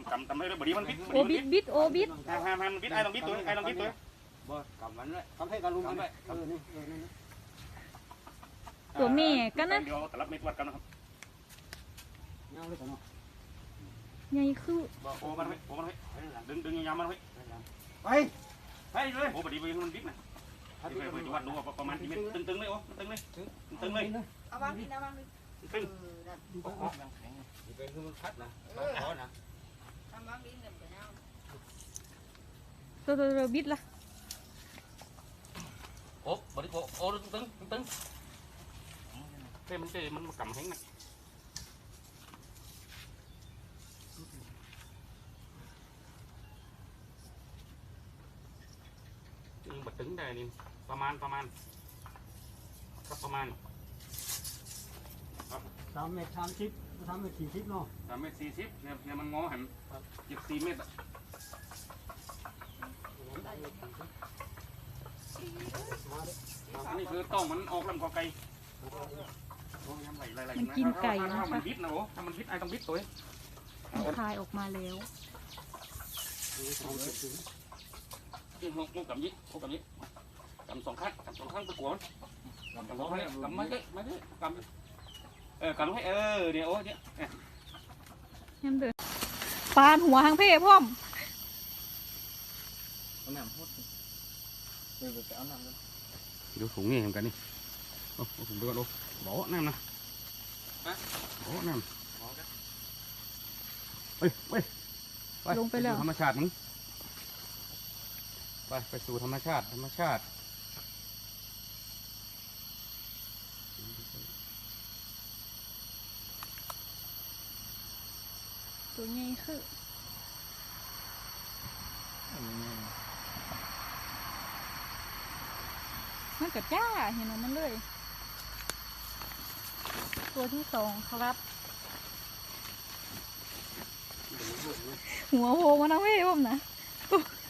ำให้เลยบดีมันบิดโอบิดบิดโอบิดห้ามมันบิดไอ้ต้องบิดตัวไอ้ต้องบิดตัวบ่กำมันเลยกำให้กำลุงมันเลยนี่นี่ตัวแม่กันนะเดี๋ยวตลับไม่ตรวจกันนะครับเงาเลยกันเนาะใหญ่คือโอ้มันให้ดึงยาวมันให้ไปเลยโอ้บดีมันบิดนะไปวัดดูประมาณกี่เมตรตึงเลยโอ้ตึงเลยเอาวางนี่นะวางนี่ตึงเป็นคือมันพัดนะขอนะทำวางนี่เงินไปเอาตัวบิดละโอ้บดีโอ้ตึงเต้มันกำแห้งนะบัดตึงได้นี่ประมาณครับประมาณ 3 เมตร 30 3 เมตร 40เนาะ 3 เมตร 40เนี่ยมันงอหัน4 เมตรอ่ะนี่คือต้องมันออกลำคอไก่มันกินไก่นะถ้ามัคะนบิดนะโอ้ถ้ามันบิดไอ้ต้องบิดตัวคายออกมาแล้วกินหกกับยี่กำ2 ข้างตะกัวกำ2 ข้างกำไม่ได้กำกำให้เดี๋ยวโอ้เนี่ยยังเดินปานหัวหางเพ่พ่อมเอาน้ำพดไปเอาน้ำกันดูถุงนี่เหมือนกันนี่โอ้ถุงไปก่อนโอ้บ่อน้ำนะบ่อน้ำลงไปแล้วธรรมชาติมึงไปสู่ธรรมชาติตัวใหญ่คือมันกระจ้าเห็นมันเลย ตัวที่2ครับ หัวโผล่มาทางเพ่พ่อมนะ